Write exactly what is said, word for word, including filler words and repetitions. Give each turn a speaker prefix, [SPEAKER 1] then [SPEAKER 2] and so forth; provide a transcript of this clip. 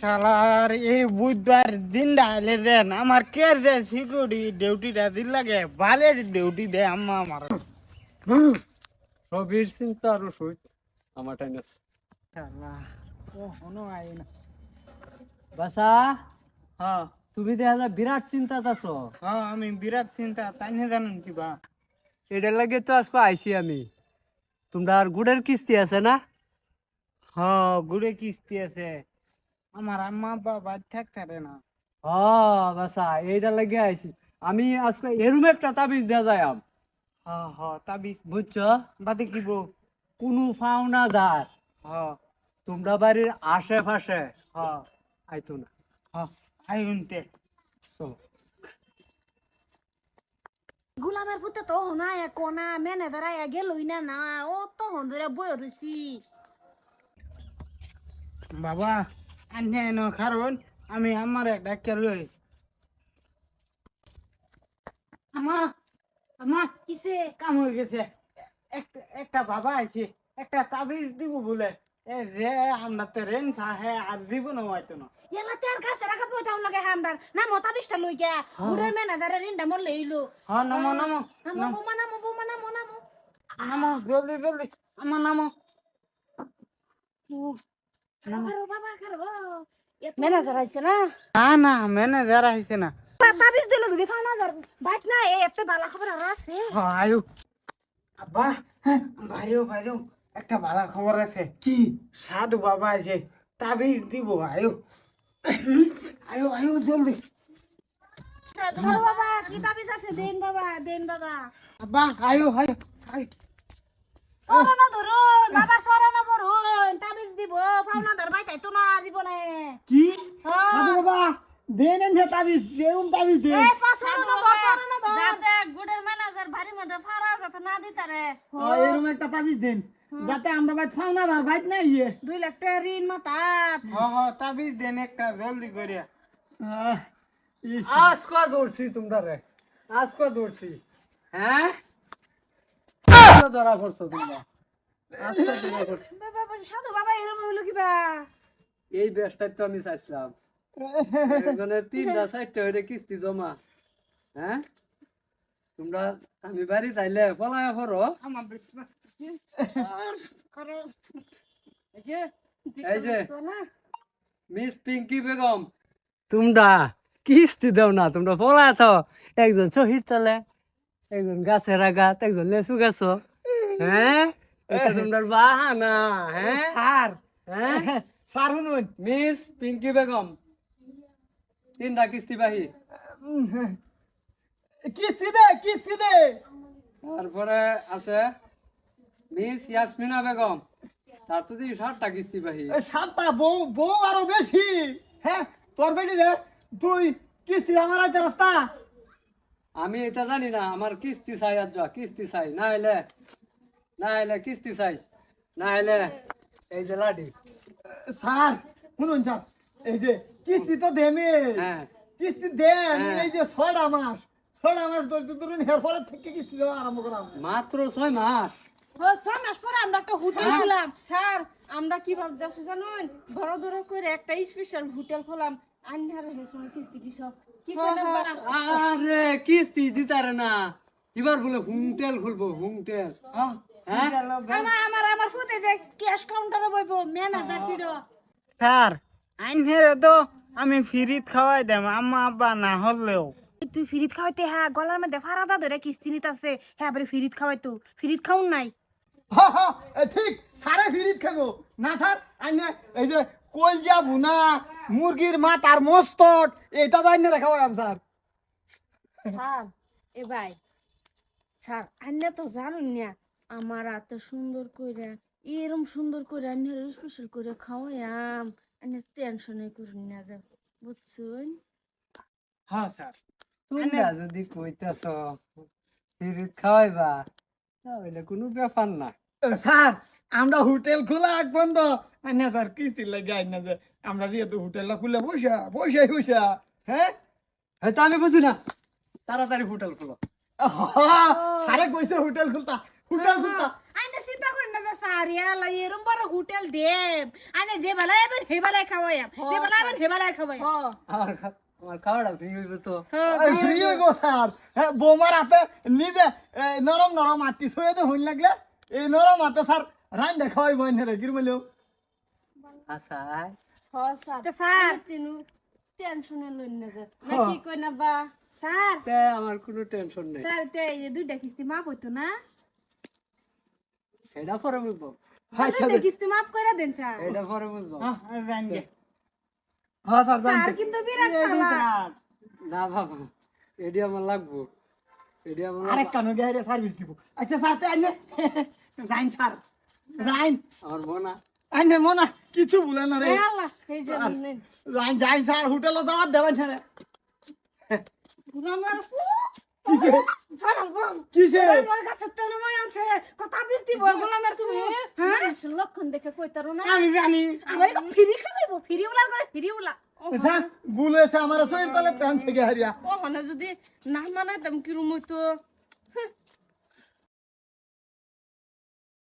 [SPEAKER 1] শালার এই বুধবার দিন ডালে দেন আমার কে যে সিকিউরিটি ডিউটিটা দিন লাগে ভালের ডিউটি দে আম্মা আমার
[SPEAKER 2] সবির চিন্তা আর সই আমার টাইম আছে।
[SPEAKER 1] শালা কখনো আই না।
[SPEAKER 2] বাসা
[SPEAKER 1] হ্যাঁ
[SPEAKER 2] তুমি দেখা যায় বিরাট চিন্তাত আছো।
[SPEAKER 1] হ্যাঁ আমি বিরাট চিন্তা তাই না জানেন কি বা
[SPEAKER 2] এটার লাগে তো আজকে আইছি আমি। তোমরা আর গুড়ের কিস্তি আছে না?
[SPEAKER 1] হ্যাঁ গুড়ে কিস্তি আছে আমার আম্মা আব্বা বাদ থাকতে না।
[SPEAKER 2] হ্যাঁ বাসা এইটার লাগে আইছি আমি। আজকে এরুম একটা তাবিজ দেওয়া যায় আম,
[SPEAKER 1] হ্যাঁ হ্যাঁ তাবিজ
[SPEAKER 2] বুঝছো?
[SPEAKER 1] বাদে কি বউ
[SPEAKER 2] কোনো ফাওনাদার
[SPEAKER 1] হ্যাঁ
[SPEAKER 2] তোমরা বাড়ির আশেপাশে
[SPEAKER 1] হ্যাঁ
[SPEAKER 2] আইতো না।
[SPEAKER 1] হ্যাঁ আই উনতে
[SPEAKER 2] চলো।
[SPEAKER 3] গুলামের পুতে তো হনা কোনা ম্যানেজার আয়া গেলই না না ও তো হন্দরে বই রইছি
[SPEAKER 1] বাবা আন্যা ন কারণ আমি আমার একটা কেলই আমা আমা
[SPEAKER 3] কিসে
[SPEAKER 1] কাম হয়ে গেছে একটা একটা বাবা আছে একটা তাবিজ দিব বলে এ যে আমরা তো রেন সাহে আর দিব না হয়তো না
[SPEAKER 3] এলা তের কাছে রাখা পয়তাম লাগে হামদার না মতা বিশটা লই গিয়া গুড়ে ম্যানেজারে রিন্ডা মল লইলো
[SPEAKER 1] হ্যাঁ নামো নামো
[SPEAKER 3] নামো বোমা নামো বোমা নামো নামো
[SPEAKER 1] নামো জলদি জলদি আমার নামো
[SPEAKER 3] কারো বাবা কারো ম্যানেজার আইছে না
[SPEAKER 1] না না ম্যানেজার আইছে না
[SPEAKER 3] তাবিজ দিল যদি ফানাদার বাইট না এ এত বালা খবর আর আছে
[SPEAKER 1] হ্যাঁ আয়ু আব্বা ভাইও ভাইও একটা ভালো খবর আছে কি সাধু বাবা আছে তাবিজ দিব আয়ু আয়ু আয়ু জলদি
[SPEAKER 3] সাধু বাবা কি তাবিজ আছে দেন বাবা দেন বাবা
[SPEAKER 1] আব্বা আয়ু আয়ু আয়ু
[SPEAKER 3] সরনা ধরো বাবা সরনা ধরুন তাবিজ দিব ফানাদার বাইতাই তো না জীবনে
[SPEAKER 1] কি
[SPEAKER 3] হ্যাঁ।
[SPEAKER 1] সাধু বাবা দেন এনে তাবিজ এরকম তাবিজ দেন
[SPEAKER 3] এ ফাসরনা ধর সরনা ধর
[SPEAKER 4] যাতে গুড়ের ম্যানেজার ভারী মধ্যে ফারা যাতে না দিতারে
[SPEAKER 1] এরকম একটা তাবিজ দেন যাতে আমরা বাইত ফাউনা আর বাইত না ইয়ে
[SPEAKER 3] দুই লাখ টাকা ঋণ মাতাত
[SPEAKER 1] হ্যাঁ হ্যাঁ তাবিজ দেন একটা জলদি করে
[SPEAKER 2] আজকে ধরছি তোমরা রে, আজকে ধরছি। হ্যাঁ ধরা করছো তোমরা, আজকে ধরা করছো।
[SPEAKER 3] বাবা সাধু বাবা এরকম হইলো কিবা
[SPEAKER 2] এই বেশটাই তো আমি চাইছিলাম। একজনের তিনটা চারটা হইলে কিস্তি জমা। হ্যাঁ তোমরা আমি বাড়ি যাইলে পলায় পড়ো।
[SPEAKER 1] আমার বিশ্বাস করো
[SPEAKER 2] এই যে মিস পিঙ্কি বেগম, তোমরা কিস্তি দাও না, তোমরা পলায় থাও। একজন শহীদ তলে, একজন গাছের আগাত, একজন লেচু গাছ। হ্যাঁ এটা তোমরা বাহানা। হ্যাঁ
[SPEAKER 1] স্যার
[SPEAKER 2] হ্যাঁ
[SPEAKER 1] স্যার শুনুন
[SPEAKER 2] মিস পিঙ্কি বেগম তিনটা কিস্তি বাহি।
[SPEAKER 1] কিস্তি দে কিস্তি দে
[SPEAKER 2] তারপরে আছে মিস ইয়াসমিনা বেগম, তার তো দিয়ে ষাটটা কিস্তি বাহি।
[SPEAKER 1] সাতটা বউ বউ আরো বেশি। হ্যাঁ তোর বেটি রে তুই কিস্তি আমার আইতে রাস্তা
[SPEAKER 2] আমি এটা জানি না, আমার কিস্তি চাই। আজ যা কিস্তি চাই, না হলে না হলে কিস্তি চাই, না হলে এই যে লাডি।
[SPEAKER 1] স্যার শুনুন স্যার এই যে কিস্তি তো দেমে
[SPEAKER 2] হ্যাঁ
[SPEAKER 1] কিস্তি দেন
[SPEAKER 2] হ্যাঁ।
[SPEAKER 1] এই যে ছয়টা মাস ছয়টা মাস ধরে ধরুন এরপরের থেকে কিস্তি দেওয়া আরম্ভ করাম
[SPEAKER 2] মাত্র ছয় মাস।
[SPEAKER 3] ও ছয় মাস পরে আমরা একটা হোটেল খুললাম স্যার আমরা কি ভাবতেছি জানুন বড় ধরে করে একটা স্পেশাল হোটেল খোলাম আন্ধার হেসুন কিস্তি কি সব কি করে বানা
[SPEAKER 2] আরে কিস্তি দিতারে না, এবার বলে হুমটেল খুলবো হুমটেল। হ্যাঁ
[SPEAKER 3] আমার আমার আমার ফুটে দেখ ক্যাশ কাউন্টারে বইবো ম্যানেজার ফিডো
[SPEAKER 1] স্যার আইনের তো আমি ফ্রিত খাওয়াই দেম আম্মা আব্বা না হলেও
[SPEAKER 3] তুই ফিরিত খাওয়াইতে হ্যাঁ গলার মধ্যে ফারাদা ধরে কিস্তি নিতে আছে হ্যাঁ আবার ফিরিত খাওয়াইতো ফিরিত খাউন নাই
[SPEAKER 1] ঠিক সারে ফিরিত খাবো না স্যার আইনে এই যে কলজা ভুনা মুরগির মাথ আর মস্তক এইটা তো আইনে খাওয়াইম স্যার
[SPEAKER 3] স্যার এ ভাই স্যার আন্না তো জানুন না আমার এত সুন্দর করে এরম সুন্দর করে আন্নার স্পেশাল করে খাওয়াইম আন্না টেনশনে করে না যাব বুঝছুন
[SPEAKER 1] হ্যাঁ স্যার
[SPEAKER 2] তোমরা যদি কইতাছ ফিরিত খাওয়াইবা তাহলে কোনো ব্যাপার না।
[SPEAKER 1] স্যার আমরা হোটেল খোলা এক বন্ধ আইনা স্যার কিস্তির লাগে আইনা যে আমরা যেহেতু হোটেলটা খুলে বসা বসে বসা হ্যাঁ
[SPEAKER 2] হয়তো আমি বুঝি না, তাড়াতাড়ি হোটেল খুলো।
[SPEAKER 1] স্যারে কইছে হোটেল খুলতা হোটেল খুলতা
[SPEAKER 3] আন্না চিন্তা করেন না যে
[SPEAKER 5] সারিয়া লাই এরম বড় হোটেল দেব আনে যে বেলা এবেন হে বেলায় খাওয়াইম যে বেলা এবেন হে বেলায় খাওয়াইম
[SPEAKER 2] আমার খা- আমার খাওয়াটা ফ্রি হইবে তো
[SPEAKER 1] ফ্রি হইব স্যার হ্যাঁ বৌমার হাতে নিজে এ, নরম নরম আটি ছুঁয়ে তো হইন লাগলে এই নরম হাতে স্যার রান দেখাই বইন রে কিরমেলেও
[SPEAKER 2] আচ্ছা
[SPEAKER 3] হ স্যার
[SPEAKER 5] তা স্যার
[SPEAKER 3] তিনু টেনশনে লইন না যে না কি কই না বা
[SPEAKER 5] স্যার
[SPEAKER 2] তে আমার কোনো টেনশন নেই
[SPEAKER 5] স্যার তে এই যে দুইটা কিস্তি মাপ হইতো না
[SPEAKER 2] এটা পরে বুঝবো
[SPEAKER 1] আচ্ছা
[SPEAKER 5] দুইটা কিস্তি মাপ করে দেন স্যার
[SPEAKER 2] এটা পরে বুঝবো
[SPEAKER 1] হ্যাঁ জান গে হ্যাঁ স্যার জান
[SPEAKER 5] স্যার কিন্তু বিরাট চালাক
[SPEAKER 2] না বাবা এডি আমার লাগবো এডি আমার
[SPEAKER 1] আরেক কানো গে রে সার্ভিস দিব আচ্ছা স্যার তে আইনে যাইন স্যার যাইন
[SPEAKER 2] আমার বোনা
[SPEAKER 1] আইনে মনা কিছু ভুলে না রে
[SPEAKER 3] এ আল্লাহ এই যে নেন
[SPEAKER 1] যাইন যাইন স্যার হোটেলে দাওয়াত দেবেন স্যার
[SPEAKER 3] আমার
[SPEAKER 1] কিসে কিসে
[SPEAKER 5] আমার কাছে তো নয় আছে কথা বিস দিব গোলামের তুমি
[SPEAKER 3] হ্যাঁ লক্ষণ দেখে কইতারো না
[SPEAKER 1] আমি জানি
[SPEAKER 5] আমার ফ্রি খাইবো ফ্রি উলার করে ফ্রি উলা
[SPEAKER 1] স্যার ভুল হয়েছে আমার শরীর তলে প্যান থেকে হারিয়া
[SPEAKER 3] ও মানে যদি না মানাইতাম কিরম হইতো